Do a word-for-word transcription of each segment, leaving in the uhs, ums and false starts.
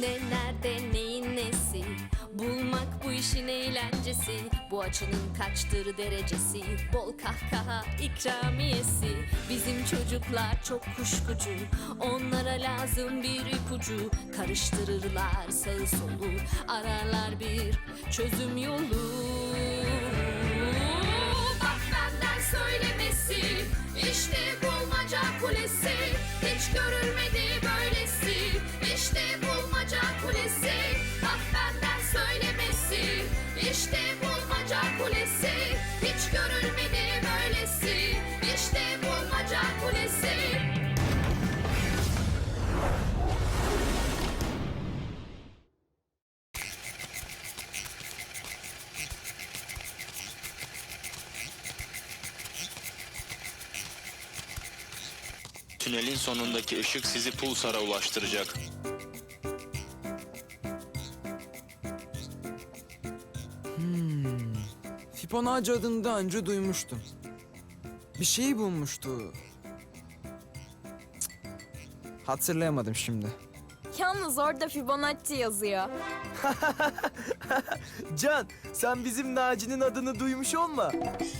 Ne nerede neyin nesi, bulmak bu işin eğlencesi. Bu açının kaçtır derecesi, bol kahkaha ikramiyesi. Bizim çocuklar çok kuşkucu, onlara lazım bir ipucu. Karıştırırlar sağı solu, ararlar bir çözüm yolu. Bak benden söylemesi, işte bulmaca kulesi. Hiç görülmedi böylesi, işte bulmaca kulesi. Bak benden söylemesi, işte bulmaca kulesi. Hiç görülmedi böylesi, işte bulmaca kulesi. Tünelin sonundaki ışık sizi Pulsar'a ulaştıracak. Hmm. Fibonacci adını daha önce duymuştum. Bir şey bulmuştu. Cık. Hatırlayamadım şimdi. Yalnız orada Fibonacci yazıyor. Can, sen bizim Naci'nin adını duymuş olma.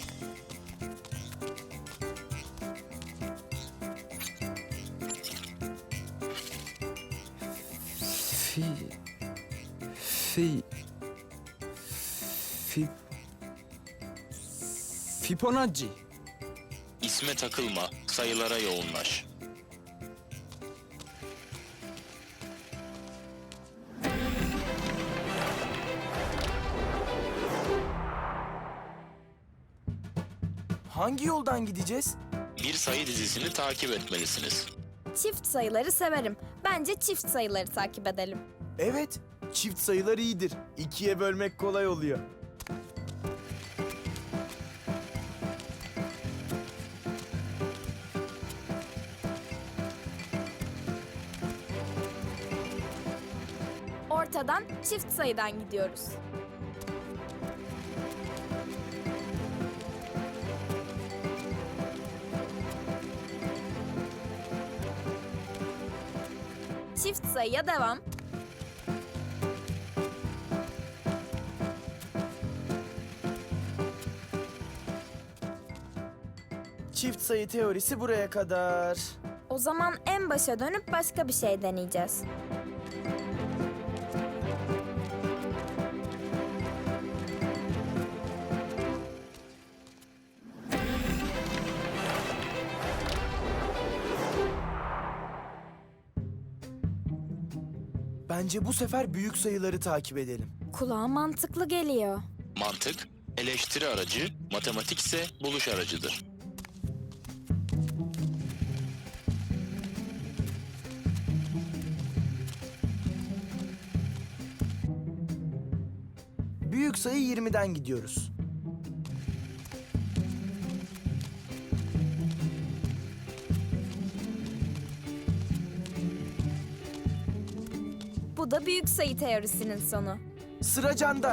Fi... Fi... Fi... Fibonacci. İsme takılma, sayılara yoğunlaş. Hangi yoldan gideceğiz? Bir sayı dizisini takip etmelisiniz. Çift sayıları severim. Bence çift sayıları takip edelim. Evet, çift sayılar iyidir. İkiye bölmek kolay oluyor. Ortadan çift sayıdan gidiyoruz. Çift sayıya devam. Çift sayı teorisi buraya kadar. O zaman en başa dönüp başka bir şey deneyeceğiz. Bence bu sefer büyük sayıları takip edelim. Kulağa mantıklı geliyor. Mantık, eleştiri aracı, matematik ise buluş aracıdır. Büyük sayı yirmiden gidiyoruz. Bu da büyük sayı teorisinin sonu. Sıra Can'da.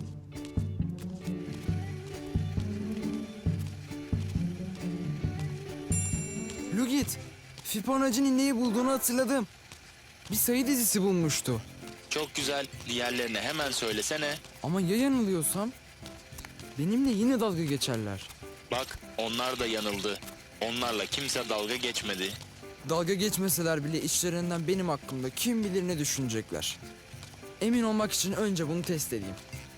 Lugit, Fibonacci'nin neyi bulduğunu hatırladım. Bir sayı dizisi bulmuştu. Çok güzel, diğerlerine hemen söylesene. Ama ya yanılıyorsam? Benimle yine dalga geçerler. Bak, onlar da yanıldı. Onlarla kimse dalga geçmedi. Dalga geçmeseler bile içlerinden benim hakkımda kim bilir ne düşünecekler. Emin olmak için önce bunu test edeyim.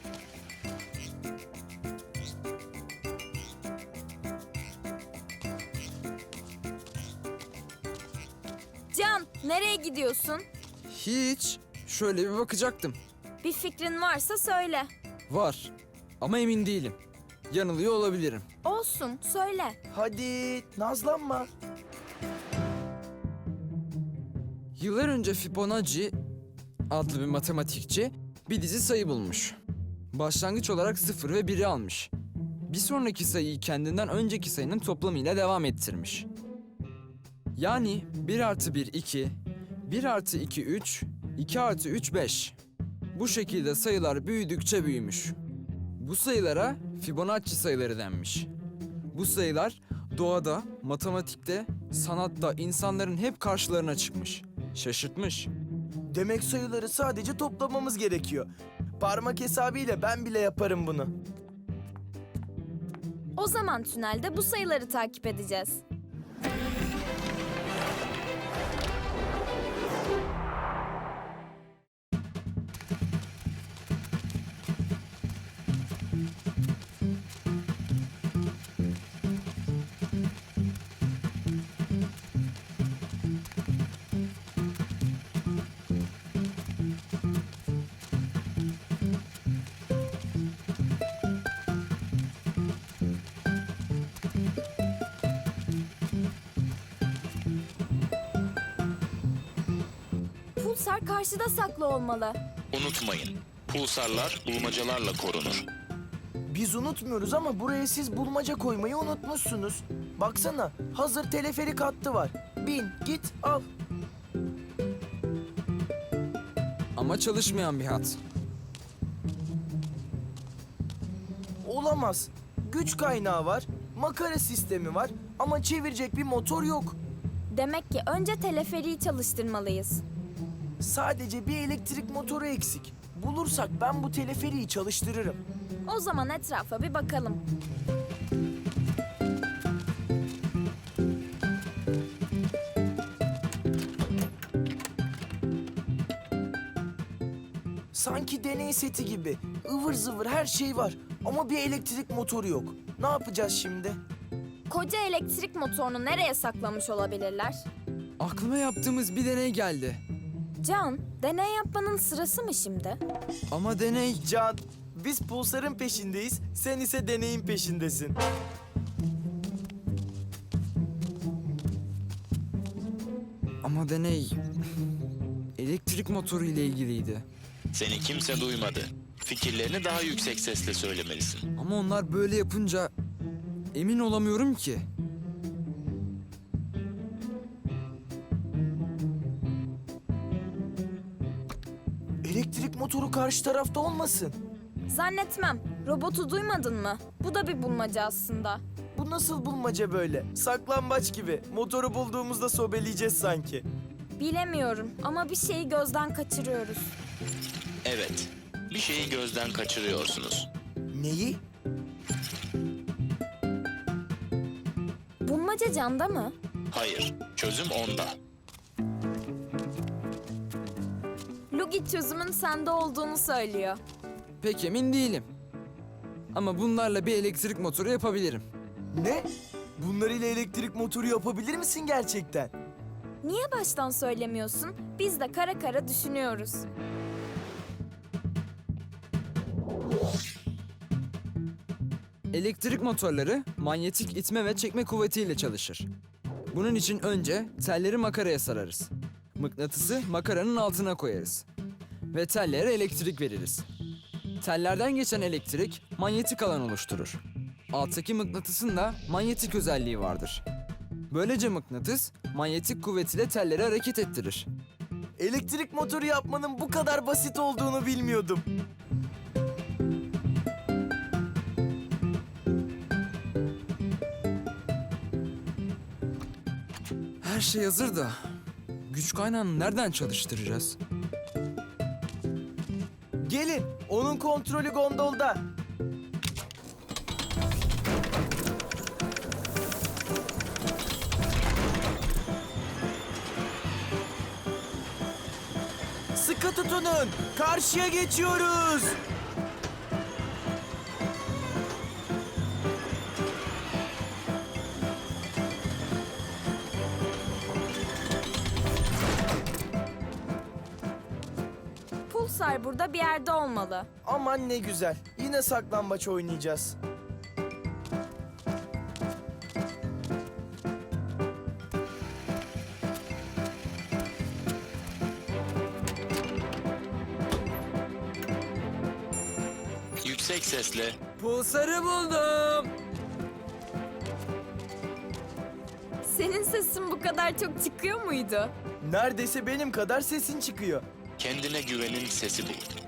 Can, nereye gidiyorsun? Hiç. Şöyle bir bakacaktım. Bir fikrin varsa söyle. Var. Ama emin değilim. Yanılıyor olabilirim. Olsun, söyle. Hadi, nazlanma. Yıllar önce Fibonacci adlı bir matematikçi bir dizi sayı bulmuş. Başlangıç olarak sıfır ve biri almış. Bir sonraki sayıyı kendinden önceki sayının toplamıyla devam ettirmiş. Yani bir artı bir iki, bir artı iki üç, iki artı üç beş. Bu şekilde sayılar büyüdükçe büyümüş. Bu sayılara Fibonacci sayıları denmiş. Bu sayılar doğada, matematikte, sanatta insanların hep karşılarına çıkmış. Şaşırtmış. Demek sayıları sadece toplamamız gerekiyor. Parmak hesabıyla ben bile yaparım bunu. O zaman tünelde bu sayıları takip edeceğiz. Pulsar karşıda saklı olmalı. Unutmayın, pulsarlar bulmacalarla korunur. Biz unutmuyoruz ama buraya siz bulmaca koymayı unutmuşsunuz. Baksana, hazır teleferik hattı var. Bin, git, al. Ama çalışmayan bir hat. Olamaz. Güç kaynağı var, makara sistemi var ama çevirecek bir motor yok. Demek ki önce teleferiği çalıştırmalıyız. Sadece bir elektrik motoru eksik. Bulursak ben bu teleferiği çalıştırırım. O zaman etrafa bir bakalım. Sanki deney seti gibi. Ivır zıvır her şey var ama bir elektrik motoru yok. Ne yapacağız şimdi? Koca elektrik motorunu nereye saklamış olabilirler? Aklıma yaptığımız bir deney geldi. Can, deney yapmanın sırası mı şimdi? Ama deney... Can, biz pulsarın peşindeyiz, sen ise deneyin peşindesin. Ama deney... elektrik motoru ile ilgiliydi. Seni kimse duymadı. Fikirlerini daha yüksek sesle söylemelisin. Ama onlar böyle yapınca... emin olamıyorum ki. Elektrik motoru karşı tarafta olmasın. Zannetmem. Robotu duymadın mı? Bu da bir bulmaca aslında. Bu nasıl bulmaca böyle? Saklambaç gibi. Motoru bulduğumuzda sobeleyeceğiz sanki. Bilemiyorum ama bir şeyi gözden kaçırıyoruz. Evet, bir şeyi gözden kaçırıyorsunuz. Neyi? Bulmaca Can'da mı? Hayır, çözüm onda. Lugi çözümün sende olduğunu söylüyor. Pek emin değilim. Ama bunlarla bir elektrik motoru yapabilirim. Ne? Bunlarıyla elektrik motoru yapabilir misin gerçekten? Niye baştan söylemiyorsun? Biz de kara kara düşünüyoruz. Elektrik motorları manyetik itme ve çekme kuvvetiyle çalışır. Bunun için önce telleri makaraya sararız. Mıknatısı makaranın altına koyarız. Ve tellere elektrik veririz. Tellerden geçen elektrik manyetik alan oluşturur. Alttaki mıknatısın da manyetik özelliği vardır. Böylece mıknatıs manyetik kuvvetiyle telleri hareket ettirir. Elektrik motoru yapmanın bu kadar basit olduğunu bilmiyordum. Her şey hazır da güç kaynağını nereden çalıştıracağız? Gelin, onun kontrolü gondolda. Sıkı tutunun, karşıya geçiyoruz. Pulsar burada bir yerde olmalı. Aman ne güzel, yine saklambaç oynayacağız. Yüksek sesle Pulsarı buldum. Senin sesin bu kadar çok çıkıyor muydu? Neredeyse benim kadar sesin çıkıyor. kendine güvenin sesi bul.